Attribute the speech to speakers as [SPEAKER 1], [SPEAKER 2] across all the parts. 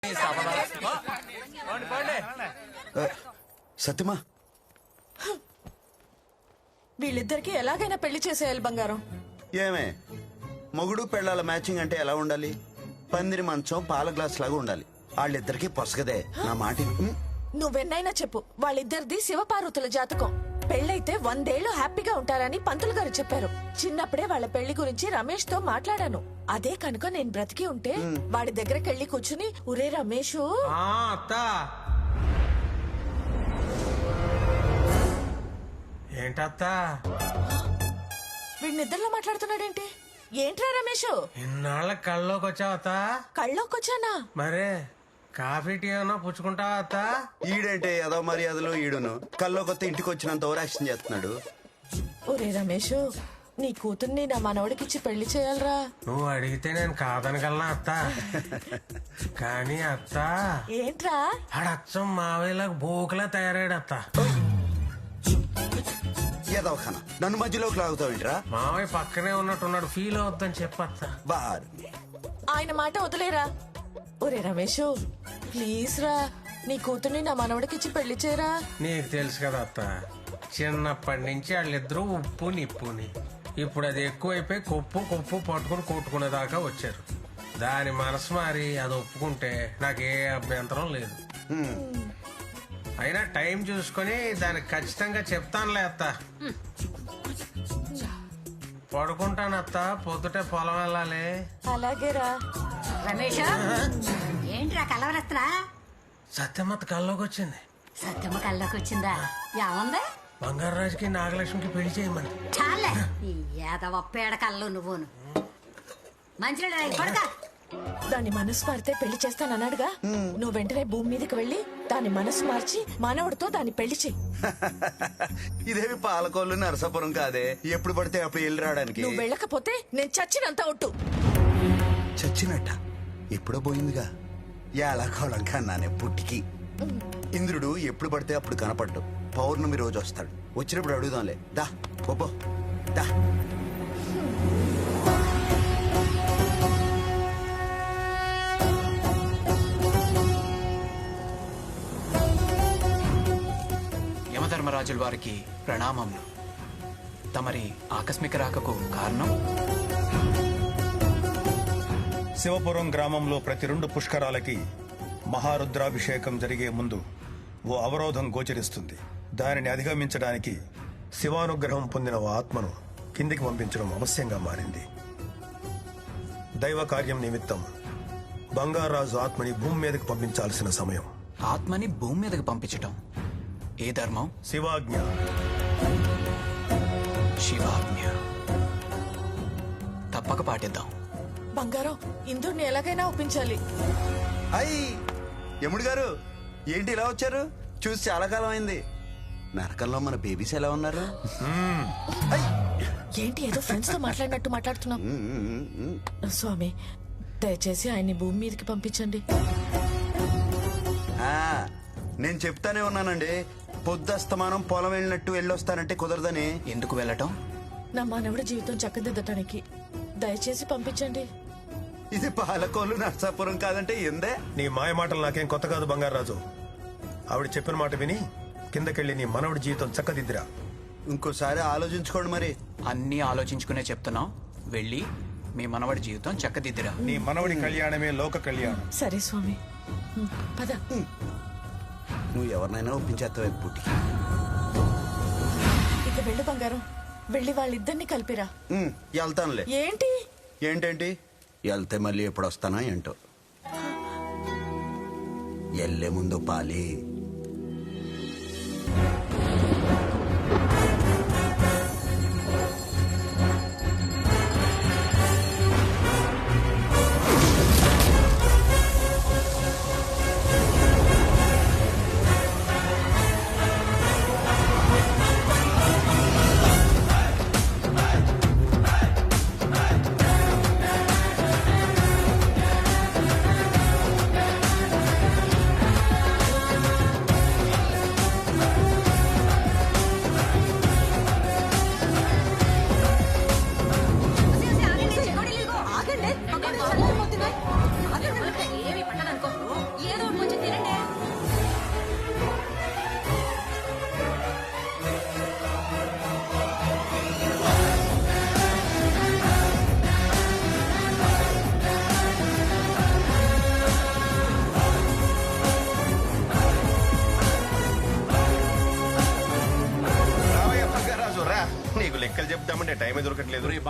[SPEAKER 1] సత్యమా,
[SPEAKER 2] వీళ్ళిద్దరికి ఎలాగైనా పెళ్లి చేసేయాలి బంగారం.
[SPEAKER 1] ఏమే మొగుడు పెళ్ళాల మ్యాచింగ్ అంటే ఎలా ఉండాలి? పందిరి మంచం పాల గ్లాస్ లాగా ఉండాలి. వాళ్ళిద్దరికి పొసగదే. నా మాట
[SPEAKER 2] నువ్వెన్నైనా చెప్పు, వాళ్ళిద్దరిది శివపార్వతుల జాతకం. పెళ్ళైతే 100 ఏళ్లు హ్యాపీగా ఉంటారని పంతులు గారు చెప్పారు. చిన్నప్పుడే వాళ్ళ పెళ్లి గురించి రమేష్ తో మాట్లాడాను. అదే కనుక నేను బ్రతికి ఉంటే వాడి దగ్గరికి వెళ్ళి కూర్చుని, ఒరే రమేష్,
[SPEAKER 3] ఏంటత్తా
[SPEAKER 2] వీడి నిద్రలో మాట్లాడుతున్నాడేంటి? ఏంట్రా రమేష్,
[SPEAKER 3] ఇన్నాళ్ళ కళ్ళలోకి వచ్చావత్తా?
[SPEAKER 2] కళ్ళోకొచ్చానా?
[SPEAKER 3] మరే కాఫీ టీ ఏమన్నా పుచ్చుకుంటావా అత్తా?
[SPEAKER 1] ఈడంటే ఏదో మర్యాదలు ఈడును కల్లో కొత్త ఇంటికి వచ్చినంత ఓవరాక్షన్ చేస్తున్నాడు.
[SPEAKER 2] ఒరే రమేష్, నీ కూతుర్ని నా మనవడికిచ్చి పెళ్లి చేయాలరా.
[SPEAKER 3] నువ్వు అడిగితే నేను కాదనగలనా అత్తా? కానీ అత్తా,
[SPEAKER 2] ఏంట్రా?
[SPEAKER 3] ఆడచ్చం మావేలాగా బోకులా తయారాడు అత్తా.
[SPEAKER 1] ఏదో ఖానా నన్ను మధ్యలోకి లాగుతావేంట్రా?
[SPEAKER 3] మావయ్య పక్కనే ఉన్నట్టున్నాడు, ఫీల్ అవుద్దని చెప్పత్తా.
[SPEAKER 1] బార్
[SPEAKER 2] ఆయన మాట వదిలేరా. ఒరే రమేష్, ప్లీజ్ రా, నీ కూతుర్ని నా మనవడికిచ్చి పెళ్లి చేయరా.
[SPEAKER 3] నీకు తెలుసు కదా అత్త, చిన్నప్పటి నుంచి వాళ్ళిద్దరూ ఉప్పు నిప్పుని. ఇప్పుడు అది ఎక్కువైపోయి కొప్పు పట్టుకుని కొట్టుకునేదాకా వచ్చారు. దాని మనసు మారి అది ఒప్పుకుంటే నాకే అభ్యంతరం లేదు. అయినా టైం చూసుకొని దానికి ఖచ్చితంగా చెప్తానులే అత్త. పడుకుంటాను అత్త, పొద్దుటే పొలం వెళ్ళాలి.
[SPEAKER 2] అలాగేరా.
[SPEAKER 4] రమేష్, ఏంట్రా కలవరత్రా?
[SPEAKER 3] సత్యమత్త కల్లోకి వచ్చింది.
[SPEAKER 4] సత్యమ్మ కల్లోకి వచ్చిందా? ఏముంది?
[SPEAKER 3] బంగారాజుకి నాగలక్ష్మికి పెళ్లి చేయమంది.
[SPEAKER 4] చాలే ఈ ఏదవ పేడ కళ్ళు నువ్వును. మంచినీళ్ళు పడక.
[SPEAKER 2] దాని మనసు మారితే పెళ్లి చేస్తానన్నాడుగా. నువ్వు వెంటనే భూమి మీదకి వెళ్ళి దాని మనసు మార్చి మనవడితో దాన్ని పెళ్లి చెయ్యి.
[SPEAKER 1] ఇదేమి పాలకోళ్ళు నరసాపురం కాదే, ఎప్పుడు పడితే అప్పుడు వెళ్ళి రావడానికి.
[SPEAKER 2] నువ్వు వెళ్ళకపోతే నేను చచ్చినంత ఒట్టు.
[SPEAKER 1] చచ్చినట్ట ఎప్పుడో పోయిందిగా. ఎలా కోళం కన్నానే పుట్టికి. ఇంద్రుడు ఎప్పుడు పడితే అప్పుడు కనపడ్డు. పౌర్ణమి రోజు వస్తాడు. వచ్చినప్పుడు అడుగుదాంలే. దా బొబ్బో దా.
[SPEAKER 5] యమధర్మరాజుల వారికి ప్రణామములు. తమరి ఆకస్మిక రాకకు కారణం?
[SPEAKER 6] శివపురం గ్రామంలో ప్రతి 2 పుష్కరాలకి మహారుద్రాభిషేకం జరిగే ముందు ఓ అవరోధం గోచరిస్తుంది. దానిని అధిగమించడానికి శివానుగ్రహం పొందిన ఓ ఆత్మను కిందికి పంపించడం అవశ్యంగా మారింది. దైవ కార్యం నిమిత్తం బంగారాజు ఆత్మని భూమి మీదకి పంపించాల్సిన సమయం.
[SPEAKER 5] ఆత్మని భూమి మీదకి పంపించటం ఏ ధర్మం?
[SPEAKER 6] శివాజ్ఞ.
[SPEAKER 5] శివాజ్ఞ. తప్పక పాటిద్దాం.
[SPEAKER 2] బంగారం, ఇంద్రుడిని ఎలాగైనా ఒప్పించాలి.
[SPEAKER 1] అయ్యి యముడు గారు, ఏంటి ఇలా వచ్చారు? చూసి చాలా కాలం అయింది. నరకంలో మన బేబీస్ ఎలా ఉన్నారు?
[SPEAKER 2] ఏంటి ఏదో ఫ్రెండ్స్ తో మాట్లాడినట్టు మాట్లాడుతున్నాం. స్వామి, దయచేసి ఆయన్ని భూమి మీదకి పంపించండి.
[SPEAKER 1] నేను చెప్తానే ఉన్నానండి, పొద్దుస్తమానం పొలం వెళ్ళినట్టు వెళ్ళొస్తానంటే కుదరదని.
[SPEAKER 5] ఎందుకు వెళ్ళటం?
[SPEAKER 2] నా మానవుడి జీవితం చక్కదిద్దటానికి. దయచేసి పంపించండి.
[SPEAKER 1] ఇది పాలకోళ్ళు నర్సాపురం కాదంటే ఎందే.
[SPEAKER 6] నీ మాయ మాటలు నాకేం కొత్త కాదు బంగారాజు. ఆవిడ చెప్పిన మాట విని కిందకెళ్ళి నీ మనవడి జీవితం చక్కదిద్దిరా.
[SPEAKER 1] ఇంకోసారి ఆలోచించుకోండి మరి.
[SPEAKER 5] అన్నీ ఆలోచించుకునే చెప్తున్నాం. వెళ్ళి మీ మనవడి జీవితం చక్కదిద్దిరా.
[SPEAKER 6] నీ మనవడి కళ్యాణమే లోక కళ్యాణం.
[SPEAKER 2] సరే స్వామి, పద.
[SPEAKER 1] నువ్వు ఎవరినైనా ఒప్పించేస్తావు పుట్టికి.
[SPEAKER 2] ఇక వెళ్ళు బంగారం, వెళ్ళి వాళ్ళిద్దరిని కలిపిరా.
[SPEAKER 1] వెళ్తానులే.
[SPEAKER 2] ఏంటి?
[SPEAKER 1] ఏంటేంటి? వెళ్తే మళ్ళీ ఎప్పుడు వస్తానా ఏంటో. వెళ్ళే ముందు పాలి.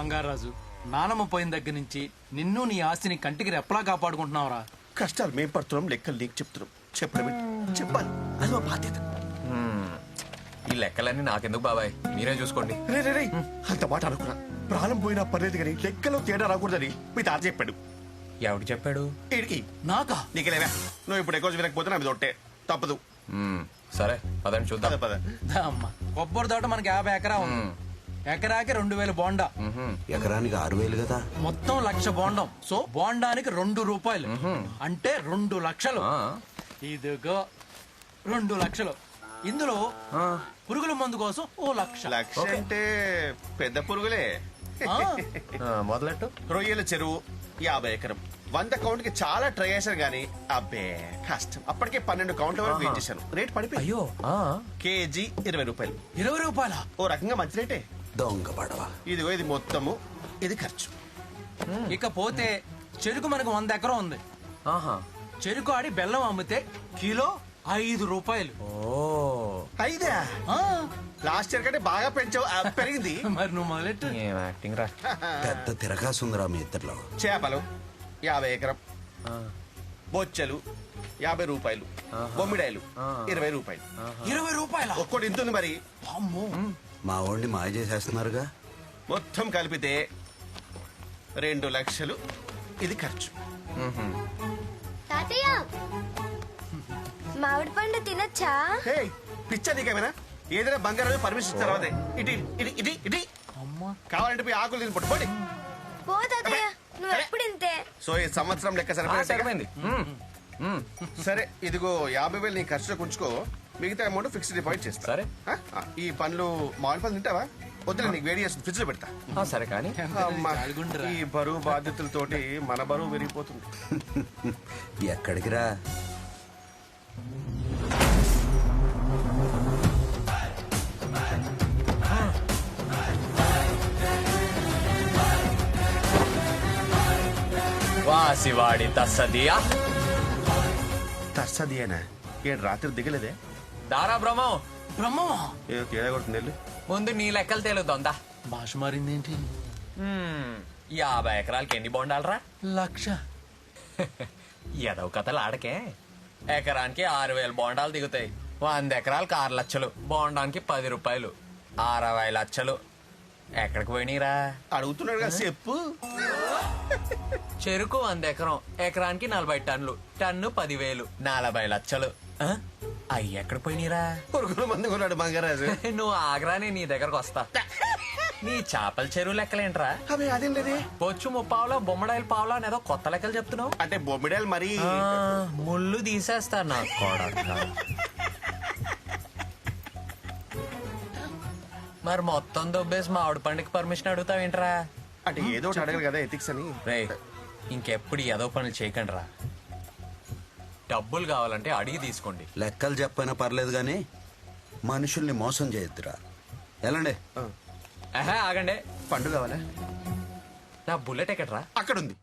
[SPEAKER 7] బంగారాజు నానమ్మ పోయిన దగ్గర నుంచి నిన్ను నీ ఆస్తిని కంటికి రెప్పలా కాపాడుకుంటున్నావురా.
[SPEAKER 8] కష్టాలు మేం పడుతున్నాం, లెక్కలు నీకు చెప్తున్నాం. చెప్పడం చెప్పాలి, అది మా బాధ్యత.
[SPEAKER 9] ఈ లెక్కలన్నీ నాకెందుకు బాబాయ్, మీరే చూసుకోండి.
[SPEAKER 8] రే అంత మాట అనుకున్నా. ప్రాణం పోయినా పర్లేదు కానీ లెక్కలో తేడా రాకూడదని మీ తాత చెప్పాడు.
[SPEAKER 9] ఎవడు చెప్పాడు?
[SPEAKER 8] ఈడికి
[SPEAKER 7] నాకా?
[SPEAKER 8] నీకెలేవా, నువ్వు ఇప్పుడు ఎక్కువ వినకపోతే నా మీద ఒట్టే తప్పదు.
[SPEAKER 9] సరే పదండి చూద్దాం.
[SPEAKER 8] పద
[SPEAKER 7] దా అమ్మా, కొబ్బరి తోట మనకి 50 ఎకరా ఉంది. ఎకరాకి 2000 బోండా,
[SPEAKER 1] ఎకరానికి 6000 కదా.
[SPEAKER 7] మొత్తం 1,00,000 బోండం. సో బోండానికి 2 రూపాయలు అంటే 2 లక్షలు. ఇదిగో 2 లక్షలు. ఇందులో పురుగుల మందు కోసం 1,00,000.
[SPEAKER 8] లక్ష అంటే పెద్ద పురుగులే.
[SPEAKER 7] ఆ,
[SPEAKER 9] మొదలెట్టు.
[SPEAKER 8] రొయ్యల చెరువు 50 ఎకరం. 100 కౌంట్ కి చాలా ట్రై చేశాను గానీ అబ్బే కష్టం. అప్పటికే 12 కౌంట్ల వరకు వెయిట్ చేశాను. రేట్ పడిపోయి
[SPEAKER 9] అయ్యో
[SPEAKER 8] కేజీ 20 రూపాయలు.
[SPEAKER 7] 20 రూపాయల.
[SPEAKER 8] ఓ రకంగా మంచి రేటే.
[SPEAKER 1] దొంగ పడవ.
[SPEAKER 8] ఇదిగో ఇది మొత్తము, ఇది ఖర్చు.
[SPEAKER 7] ఇకపోతే చెరుకు మనకు 100 ఎకరం ఉంది.
[SPEAKER 9] ఆహా.
[SPEAKER 7] చెరుకు ఆడి బెల్లం అమ్మితే కిలో 5 రూపాయలు.
[SPEAKER 9] ఓ
[SPEAKER 8] అయిదా?
[SPEAKER 7] ఆ,
[SPEAKER 8] లాస్ట్ ఇయర్ కంటే బాగా పెంచావు. పెరిగింది.
[SPEAKER 7] మరి నువ్వు మొదలెట్టు.
[SPEAKER 9] ఏం యాక్టింగ్ రా.
[SPEAKER 1] పెద్ద తిరగాసుందిరా మీ ఇద్దరిలో.
[SPEAKER 8] చేపలు 50 ఎకరం. బొచ్చలు 50 రూపాయలు. బొమ్మిడాయలు 20 రూపాయలు.
[SPEAKER 7] 20 రూపాయల.
[SPEAKER 8] ఒక్కోటి ఇంతుంది మరి.
[SPEAKER 7] అమ్మో.
[SPEAKER 1] మా వాడిని మాయ చేసేస్తున్నారుగా.
[SPEAKER 8] మొత్తం కలిపితే 2 లక్షలు. ఇది ఖర్చు.
[SPEAKER 10] తాతయ్య మామిడి పండు తినచ్చా?
[SPEAKER 8] హే పిచ్చా నీకేమైనా? ఏదైనా బంగారం పర్మిషన్ ఇచ్చిన తర్వాతే ఇటు ఇటు ఇటు ఇటు. కావాలంటే పోయి ఆకులు తిని పట్టుకోండి.
[SPEAKER 10] పో తాతయ్య, నువ్వు ఎప్పుడు ఇంతే.
[SPEAKER 8] సో ఈ సంవత్సరం లెక్క
[SPEAKER 9] సరిపోయింది.
[SPEAKER 8] సరే ఇదిగో 50,000 నీ ఖర్చులో ఉంచుకో. మిగతా అమౌంట్ ఫిక్స్డ్ డిపాజిట్ చేస్తా.
[SPEAKER 9] సరే.
[SPEAKER 8] ఈ పండ్లు మామిడి పండ్లు తింటావా? వద్దులే, నీకు వేడి చేస్తుంది, ఫ్రిడ్జ్ లో పెడతా.
[SPEAKER 9] సరే కానీ
[SPEAKER 8] అమ్మా, ఈ బరువు బాధ్యతలతోటి మన బరువు పెరిగిపోతుంది.
[SPEAKER 1] ఎక్కడికి రా?
[SPEAKER 9] వాసివాడి తస్సదియా.
[SPEAKER 8] తర్సదియేనా? ఏడు రాత్రి దిగలేదే?
[SPEAKER 9] దారా బ్రహ్మం.
[SPEAKER 7] బ్రహ్మమా?
[SPEAKER 8] ఏదో తేడా కొడుతుంది వెళ్ళు.
[SPEAKER 9] ముందు నీ లెక్కలు తేలుద్దా.
[SPEAKER 7] భాష మారిందేంటి?
[SPEAKER 9] 50 ఎకరాలకి ఎన్ని బొండాలరా?
[SPEAKER 7] 1,00,000.
[SPEAKER 9] ఎదవ కథలు ఆడకే. ఎకరానికి 6,000 బోండాలు దిగుతాయి. 100 ఎకరాలకు 6 లక్షలు. బోండానికి 10 రూపాయలు. 60 లక్షలు. ఎక్కడికి పోయినీరా?
[SPEAKER 8] అడుగుతున్నాడు కదా చెప్పు.
[SPEAKER 9] చెరుకు 100 ఎకరం. ఎకరానికి 40 టన్నులు. టన్ను 10,000. 40 లక్షలు. అయ్యి ఎక్కడికి పోయినీరా?
[SPEAKER 8] పురుగుల మంది కొన్నాడు బంగారాజు.
[SPEAKER 9] నువ్వు ఆగ్రానే నీ దగ్గరకు వస్తా. నీ చేపల చెరువు లెక్కలేంట్రా?
[SPEAKER 8] అవి అదేం లేదే.
[SPEAKER 9] బొచ్చు ముప్పావులా, బొమ్మడాయిల పావులా అనేదో కొత్త లెక్కలు చెప్తున్నావు.
[SPEAKER 8] అంటే బొమ్మిడాయలు మరి
[SPEAKER 9] ముళ్ళు తీసేస్తా నా కొడక. మరి మొత్తం దొబ్బేసి మామిడి పండుగ పర్మిషన్ అడుగుతావేంట్రా?
[SPEAKER 8] అంటే ఏదో ఒకటి అడగరు కదా ఎథిక్స్ అని.
[SPEAKER 9] రే ఇంకెప్పుడు ఏదో పనులు చేయకండి రా. డబ్బులు కావాలంటే అడిగి తీసుకోండి.
[SPEAKER 1] లెక్కలు చెప్పైనా పర్లేదు కానీ మనుషుల్ని మోసం చేయొద్దురా. ఎలాండి?
[SPEAKER 9] ఆగండి.
[SPEAKER 8] పండు కావాలా?
[SPEAKER 9] నా బుల్లెట్ ఎక్కడ్రా?
[SPEAKER 8] అక్కడ ఉంది.